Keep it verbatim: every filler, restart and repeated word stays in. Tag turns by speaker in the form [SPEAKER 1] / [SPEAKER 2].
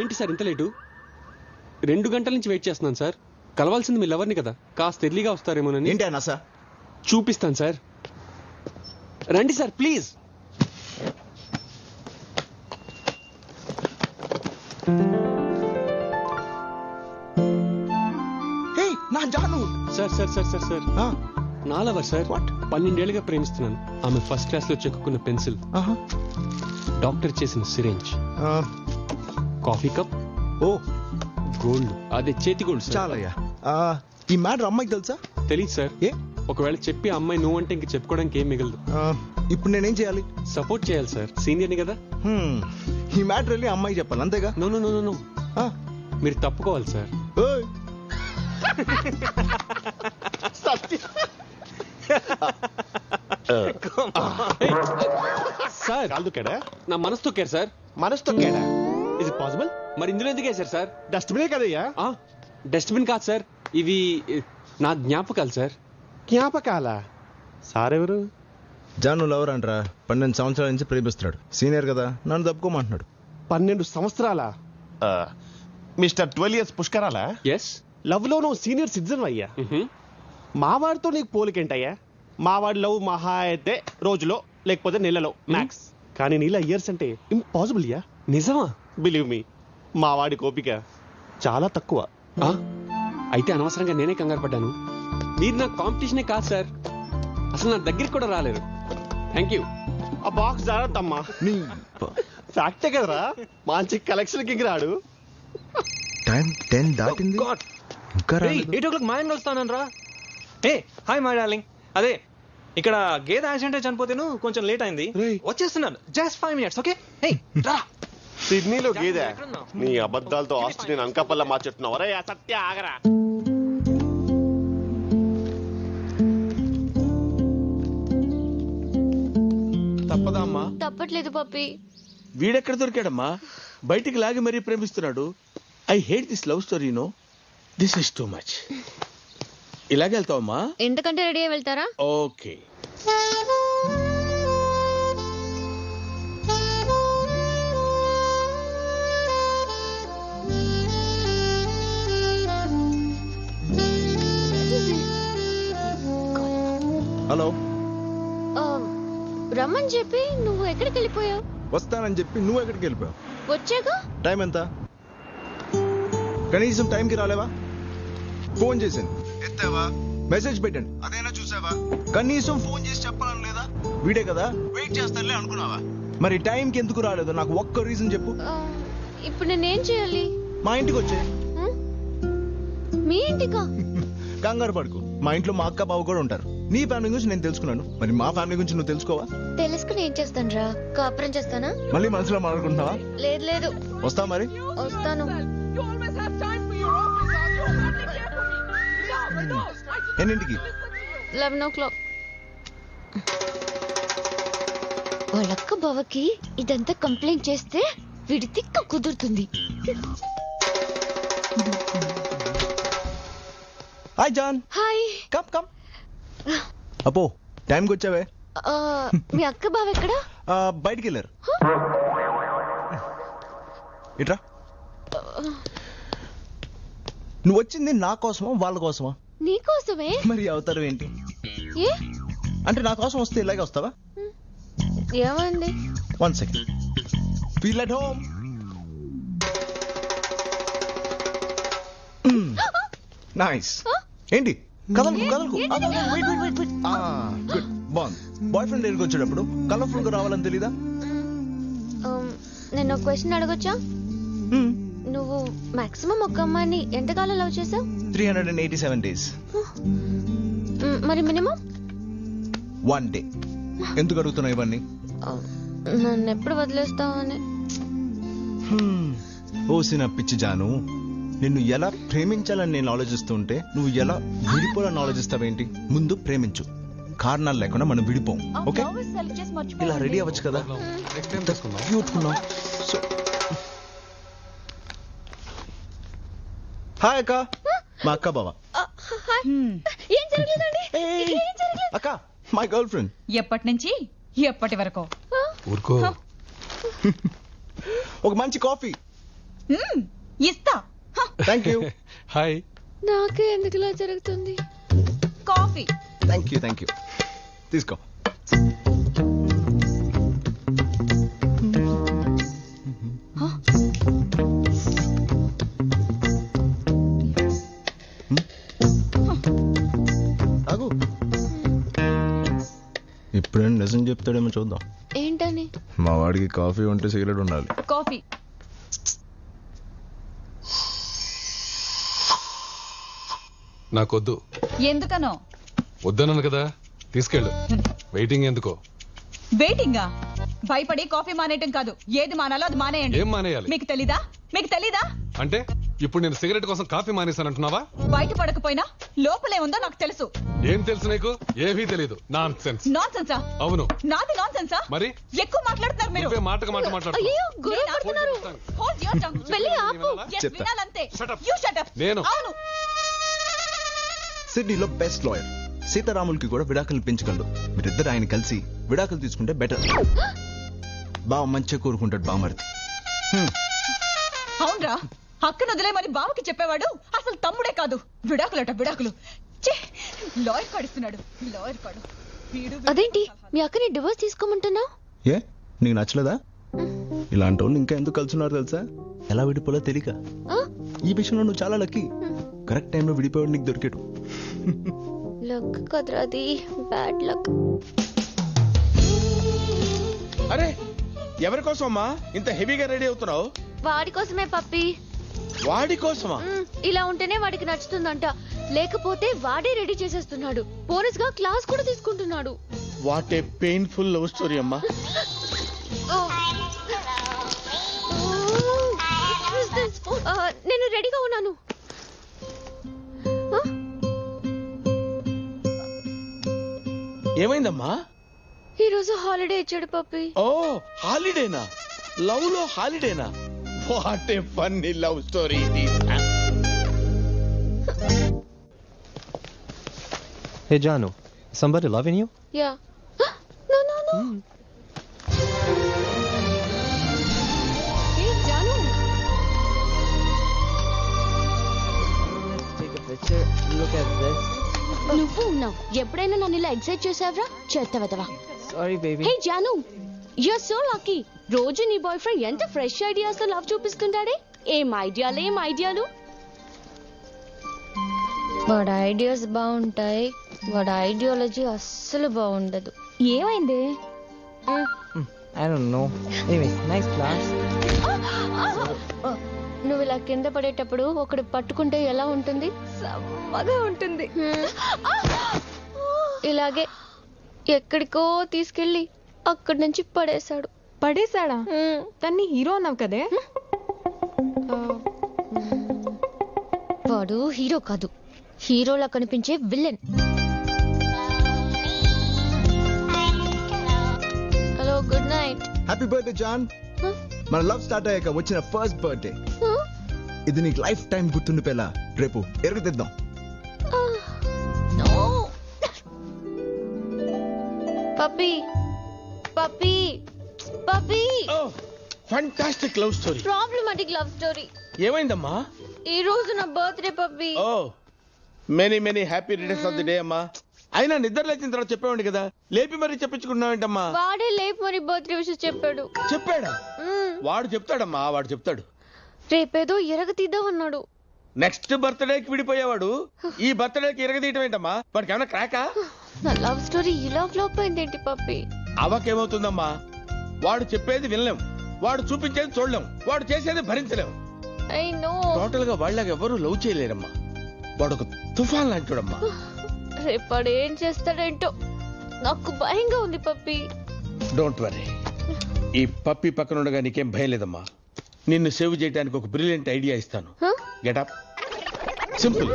[SPEAKER 1] ఏంటి సార్ ఇంత లేటు? రెండు గంటల నుంచి వెయిట్ చేస్తున్నాను సార్. కలవాల్సింది మీ లవర్ని కదా, కాస్త ఎర్లీగా వస్తారేమోనని.
[SPEAKER 2] ఏంటి అన్నా సార్?
[SPEAKER 1] చూపిస్తాను సార్, రండి సార్ ప్లీజ్.
[SPEAKER 2] నా Janu
[SPEAKER 1] sir sir sir sir sir నా లవర్ సార్.
[SPEAKER 2] వాట్?
[SPEAKER 1] పన్నెండేళ్లుగా ప్రేమిస్తున్నాను. ఆమె ఫస్ట్ క్లాస్ లో చెక్కున్న పెన్సిల్, డాక్టర్ చేసిన సిరేంజ్, కాఫీ కప్,
[SPEAKER 2] ఓ
[SPEAKER 1] గోల్డ్, అదే చేతి గోల్డ్ సార్.
[SPEAKER 2] చాలయ్యా. ఈ మ్యాటర్ అమ్మాయికి తెలుసా?
[SPEAKER 1] తెలీదు సార్.
[SPEAKER 2] ఏ
[SPEAKER 1] ఒకవేళ చెప్పి ఆ అమ్మాయి నువ్వు అంటే ఇంక చెప్పుకోవడానికి ఏం మిగలదు.
[SPEAKER 2] ఇప్పుడు నేనేం చేయాలి?
[SPEAKER 1] సపోర్ట్ చేయాలి సార్, సీనియర్ని కదా.
[SPEAKER 2] ఈ మ్యాటర్ వెళ్ళి అమ్మాయి చెప్పాలి అంతేగా?
[SPEAKER 1] నో నో నో నో మీరు తప్పుకోవాలి సార్. సార్
[SPEAKER 3] కాదుకేడా?
[SPEAKER 1] నా మనసు తొక్కారు సార్.
[SPEAKER 3] మనసు తొక్కాడా? Is it possible?
[SPEAKER 1] మరి ఇందులో ఎందుకు వేశారు సార్?
[SPEAKER 3] డస్ట్బినే కదయ్యా.
[SPEAKER 1] డస్ట్బిన్ కాదు సార్, ఇవి నా జ్ఞాపకాలు సార్.
[SPEAKER 3] జ్ఞాపకాల? సార్ ఎవరు?
[SPEAKER 2] జాను లవర్ అంటరా, పన్నెండు సంవత్సరాల నుంచి ప్రేమిస్తున్నాడు. సీనియర్ కదా, నన్ను తప్పుకోమంటున్నాడు.
[SPEAKER 3] పన్నెండు సంవత్సరాల మిస్టర్ ట్వెల్వ్ ఇయర్స్ పుష్కరాలా?
[SPEAKER 1] ఎస్.
[SPEAKER 3] లవ్ లో నువ్వు సీనియర్ సిటిజన్ అయ్యా. మావాడితో నీకు పోలికేంటయ్యా? మావాడి లవ్ మహా అయితే రోజులో లేకపోతే నెలలో మ్యాక్స్, కానీ నీలా ఇయర్స్ అంటే ఇంపాసిబుల్ యా.
[SPEAKER 1] నిజమా?
[SPEAKER 3] బిలీవ్ మీ, మావాడి కోపిక చాలా తక్కువ.
[SPEAKER 1] అయితే అనవసరంగా నేనే కంగారు పడ్డాను. మీరు నా కాంపిటీషనే కాదు సార్, అసలు నా దగ్గరికి కూడా రాలేరు. Thank you.
[SPEAKER 3] ఆ బాక్స్ జాగ్రత్తమ్మా. ఫ్యాక్టే కదరా, మంచి కలెక్షన్ కి రాడు.
[SPEAKER 2] టైం టెన్ దాటింది, ఇంకా
[SPEAKER 4] ఎయిట్ ఓ క్లాక్ మా ఆయన కలుస్తాను రా. ఏ హాయ్ మై డార్లింగ్. అదే ఇక్కడ గేదె యాక్సిడెంట్ చనిపోతేను కొంచెం లేట్ అయింది, వచ్చేస్తున్నాను. Just five minutes okay. రా.
[SPEAKER 3] సిడ్నీలో గేదె? నీ అబద్ధాలతో ఆస్ట్రేలియన్ అంకపల్ల మార్చెట్టున్నావు. అరే సత్య ఆగరా.
[SPEAKER 5] తప్పదా అమ్మా?
[SPEAKER 6] తప్పట్లేదు పప్పి.
[SPEAKER 5] వీడెక్కడ దొరికాడమ్మా? బయటికి లాగి మరీ ప్రేమిస్తున్నాడు. I hate this love story. No, this is too much. ఇలాగే వెళ్తావమ్మా?
[SPEAKER 6] ఎంతకంటే రెడీ అయి వెళ్తారా?
[SPEAKER 5] ఓకే.
[SPEAKER 2] హలో.
[SPEAKER 6] రమ్మని చెప్పి నువ్వు ఎక్కడికి వెళ్ళిపోయావు?
[SPEAKER 2] వస్తానని చెప్పి నువ్వు ఎక్కడికి వెళ్ళిపోయావు?
[SPEAKER 6] వచ్చాగా.
[SPEAKER 2] టైం ఎంత? కనీసం టైంకి రాలేవా? ఫోన్ చేశాను, ఎత్తావా? మెసేజ్ పెట్టండి, అదైనా చూసావా? కనీసం ఫోన్ చేసి చెప్పాలని లేదా? వీడే కదా, వెయిట్ చేస్తానులే అనుకున్నావా? మరి టైంకి ఎందుకు రాలేదు నాకు ఒక్క రీజన్ చెప్పు.
[SPEAKER 6] ఇప్పుడు నేనేం చేయాలి?
[SPEAKER 2] మా ఇంటికి వచ్చే.
[SPEAKER 6] మీ ఇంటికా?
[SPEAKER 2] కంగారు పడుకు, మా ఇంట్లో మా అక్క బావ కూడా ఉంటారు. నీ ఫ్యామిలీ గురించి నేను తెలుసుకున్నాను, మరి మా ఫ్యామిలీ గురించి నువ్వు తెలుసుకోవా?
[SPEAKER 6] తెలుసుకుని ఏం చేస్తాను రా? కాపురం చేస్తానా?
[SPEAKER 2] మళ్ళీ మనసులో మాట్లాడుకుంటున్నావా?
[SPEAKER 6] లేదు లేదు.
[SPEAKER 2] వస్తా మరి.
[SPEAKER 6] వస్తాను.
[SPEAKER 2] ఎన్నింటికి?
[SPEAKER 6] లెవెన్ ఓ క్లాక్. వాళ్ళక్క బావకి ఇదంతా కంప్లైంట్ చేస్తే వీడి తిక్క కుదురుతుంది.
[SPEAKER 2] Hi Jaan.
[SPEAKER 6] Hi.
[SPEAKER 2] Come come. అపో టైంకి వచ్చావే.
[SPEAKER 6] మీ అక్క బావ ఎక్కడా?
[SPEAKER 2] బయటికి వెళ్ళారు. ఇట్రా. నువ్వు వచ్చింది నా కోసమా వాళ్ళ కోసమా?
[SPEAKER 6] నీ కోసమే.
[SPEAKER 2] మరి అవుతారు ఏంటి?
[SPEAKER 6] ఏ
[SPEAKER 2] అంటే నా కోసం వస్తే ఇలాగే వస్తావా?
[SPEAKER 6] ఏమండి?
[SPEAKER 2] One second. Feel at home. Nice. ఏంటి కదలకు కదలకు? గుడ్. బాగుంది. బాయ్ ఫ్రెండ్ దగ్గరికి వచ్చేటప్పుడు కలర్ఫుల్ గా రావాలని తెలీదా?
[SPEAKER 6] నేను ఒక క్వశ్చన్ అడగొచ్చా? నువ్వు మాక్సిమం ఒక అమ్మాయిని ఎంతకాలం లవ్ చేసావు?
[SPEAKER 2] Three hundred and eighty seven days.
[SPEAKER 6] మరి మినిమం?
[SPEAKER 2] One day. ఎందుకు అడుగుతున్నావు ఇవన్నీ?
[SPEAKER 6] నన్ను ఎప్పుడు వదిలేస్తావు అని.
[SPEAKER 2] ఓసిన పిచ్చి జాను, నిన్ను ఎలా ప్రేమించాలని నేను ఆలోచిస్తుంటే నువ్వు ఎలా విడిపోవాలని ఆలోచిస్తావేంటి? ముందు ప్రేమించు, కారణాలు లేకుండా మనం విడిపోం. ఓకే, ఇలా రెడీ అవ్వచ్చు కదా. హాయ్ అక్క, మా అక్క బావ. అక్క, మై గర్ల్ ఫ్రెండ్.
[SPEAKER 7] ఎప్పటి నుంచి ఎప్పటి వరకు?
[SPEAKER 1] ఊరుకో.
[SPEAKER 2] ఒక మంచి కాఫీ.
[SPEAKER 7] మ్మ్, ఇస్తా. హ,
[SPEAKER 2] థ్యాంక్ యూ
[SPEAKER 1] హాయ్.
[SPEAKER 6] నాకే ఎందుకు ఇలా జరుగుతుంది?
[SPEAKER 7] Coffee.
[SPEAKER 2] Thank you thank you తీసుకో. తాగు. ఇప్పుడేం నిజం చెప్తాడేమో చూద్దాం.
[SPEAKER 6] ఏంటని?
[SPEAKER 2] మా వాడికి కాఫీ ఉంటే సిగరెట్ ఉండాలి.
[SPEAKER 7] కాఫీ.
[SPEAKER 8] నాకొద్దు.
[SPEAKER 7] ఎందుకనో?
[SPEAKER 8] వద్దన్నాను కదా, తీసుకెళ్ళు. వెయిటింగ్ ఎందుకో?
[SPEAKER 7] వెయిటింగా? భయపడి కాఫీ మానేయటం కాదు, ఏది మానాలో అది మానేయండి.
[SPEAKER 8] ఏం మానేయాలి?
[SPEAKER 7] మీకు తెలీదా? మీకు తెలీదా?
[SPEAKER 8] అంటే ఇప్పుడు నేను సిగరెట్ కోసం కాఫీ మానేశానంటున్నావా?
[SPEAKER 7] బయట పడకపోయినా లోపలే ఉందో నాకు తెలుసు.
[SPEAKER 8] ఏం తెలుసు నీకు? ఏమీ తెలీదు. Nonsense.
[SPEAKER 7] నాన్ సెన్సా?
[SPEAKER 8] అవును.
[SPEAKER 7] నాది నాన్ సెన్సా?
[SPEAKER 8] మరి
[SPEAKER 7] ఎక్కువ మాట్లాడుతున్నారు మీరు.
[SPEAKER 8] నువ్వే మాటకు మాట మాట్లాడుతున్నావు.
[SPEAKER 6] అయ్యో గొడవ
[SPEAKER 7] నేనా?
[SPEAKER 6] పడుతున్నారు.
[SPEAKER 7] Hold your tongue.
[SPEAKER 6] వెళ్ళి ఆపు.
[SPEAKER 7] Yes,
[SPEAKER 2] చెప్తా.
[SPEAKER 7] వినాలంతే.
[SPEAKER 8] Shut up.
[SPEAKER 7] You shut up.
[SPEAKER 8] నేను.
[SPEAKER 7] అవును.
[SPEAKER 2] సిడ్నీలో బెస్ట్ లాయర్ సీతారాములకి కూడా విడాకులు పెంచగలడు. మీరిద్దరు ఆయన కలిసి విడాకులు తీసుకుంటే బెటర్. బావ మంచిగా కోరుకుంటాడు బామర్ది.
[SPEAKER 7] అవునరా, అక్కను వదిలేమని బావకి చెప్పేవాడు అసలు తమ్ముడే కాదు. విడాకులట విడాకులు. ఛే, లాయర్ కాడిస్తున్నాడు. లాయర్ కాడు. వీడు వీడు
[SPEAKER 6] అదేంటి
[SPEAKER 7] సలహాలు.
[SPEAKER 6] మీ అక్కని డివోర్స్ తీసుకోమంటున్నావు?
[SPEAKER 2] ఏ నీకు నచ్చలేదా? ఇలాంటి వాళ్ళు ఇంకా ఎందుకు కలుసున్నారు తెలుసా? ఎలా విడిపోలో తెలియక. ఈ విషయంలో నువ్వు చాలా లక్కీ. కరెక్ట్ టైంలో విడిపోయాడు నీకు దొరికాడు.
[SPEAKER 6] లక్ కదరా అది, బ్యాడ్ లక్.
[SPEAKER 5] అరే ఎవరి కోసం అమ్మా ఇంత హెవీగా రెడీ అవుతున్నావు?
[SPEAKER 6] వాడి కోసమే పప్పి.
[SPEAKER 5] వాడి కోసమా?
[SPEAKER 6] మ్, ఇలా ఉంటేనే వాడికి నచ్చుతుందంట, లేకపోతే వాడే రెడీ చేసేస్తున్నాడు. బోనస్ గా క్లాస్ కూడా తీసుకుంటున్నాడు.
[SPEAKER 5] What a painful love story అమ్మా.
[SPEAKER 6] ఓ. What is this? ఆ, నేను రెడీగా ఉన్నాను. ఆ?
[SPEAKER 5] ఏమైందమ్మా?
[SPEAKER 6] ఈ రోజు హాలిడే ఇచ్చాడు పప్పి.
[SPEAKER 5] ఓ హాలిడేనా? లవ్ లో హాలిడేనా? What a funny love story it is.
[SPEAKER 4] Hey Janu, somebody loving you?
[SPEAKER 6] Yeah. No no no. Hey Janu.
[SPEAKER 9] Let's take a picture. Look at this.
[SPEAKER 6] నువ్వు ఉన్నావు. ఎప్పుడైనా నన్ను ఇలా ఎక్సైట్ చేసావరా? చేస్తావా?
[SPEAKER 9] Sorry, baby.
[SPEAKER 6] Hey Janu, you are so lucky. రోజు నీ boyfriend ఎంత fresh ideas తో లవ్ చూపిస్తుంటాడే. ఏం ఐడియాలు ఏం ఐడియాలు. వాడి ఐడియాస్ బాగుంటాయి, వాడి ఐడియాలజీ అస్సలు బాగుండదు. ఏమైంది?
[SPEAKER 9] I don't know. Anyway, nice class.
[SPEAKER 6] నువ్వు ఇలా కింద పడేటప్పుడు ఒకడు పట్టుకుంటే ఎలా ఉంటుంది? సమ్మగా ఉంటుంది. ఇలాగే ఎక్కడికో తీసుకెళ్ళి అక్కడి నుంచి పడేశాడు.
[SPEAKER 10] పడేశాడా? తన్ని హీరో అన్నావు కదే.
[SPEAKER 6] వాడు హీరో కాదు, హీరోలా కనిపించే villain. Hello, good night.
[SPEAKER 2] Happy birthday Jaan. మన లవ్ స్టార్ట్ అయ్యాక వచ్చిన ఫస్ట్ బర్త్డే ఇది. నీకు లైఫ్ టైం గుర్తుండిపోయేలా రేపు ఎరుగుతిద్దాం.
[SPEAKER 6] Puppy puppy puppy.
[SPEAKER 5] Oh fantastic love story.
[SPEAKER 6] Problematic love story.
[SPEAKER 5] ఏమైందమ్మా?
[SPEAKER 6] ఈ రోజు నా birthday puppy.
[SPEAKER 5] Oh many many happy returns of the day అమ్మా. అయినా నిద్ర లేచిన తర్వాత చెప్పేవాడి కదా, లేపి మరీ చెప్పించుకున్నావేంటమ్మా?
[SPEAKER 6] వాడే లేపు మరి బర్త్డే విషయం చెప్పాడు.
[SPEAKER 5] చెప్పాడా?
[SPEAKER 6] మ్మ్.
[SPEAKER 5] వాడు చెప్తాడమ్మా, వాడు చెప్తాడు.
[SPEAKER 6] రేపేదో ఎరగ తీద్దాం అన్నాడు.
[SPEAKER 5] నెక్స్ట్ బర్త్డేకి విడిపోయేవాడు ఈ బర్త్డేకి ఇరగదీయటం ఏంటమ్మా? వాడికి ఏమైనా క్రాకా?
[SPEAKER 6] నా లవ్ స్టోరీ ఇలా ఫ్లాప్ అయిందేంటి పప్పి?
[SPEAKER 5] అవకేమవుతుందమ్మా? వాడు చెప్పేది వినలేం, వాడు చూపించేది చూడలేం, వాడు చేసేది భరించలేం.
[SPEAKER 6] I know.
[SPEAKER 5] టోటల్ గా వాళ్ళకి ఎవరు లవ్ చేయలేరమ్మా. వాడు ఒక తుఫాన్ లాంటివాడమ్మా.
[SPEAKER 6] రేపాడు ఏం చేస్తాడేంటో నాకు భయంగా ఉంది పప్పి.
[SPEAKER 5] డోంట్ వరీ, ఈ పప్పి పక్కన ఉండగా నీకేం భయం లేదమ్మా. నిన్ను సేవ్ చేయడానికి ఒక బ్రిలియంట్ ఐడియా ఇస్తాను.
[SPEAKER 6] Huh?
[SPEAKER 5] Getup simple.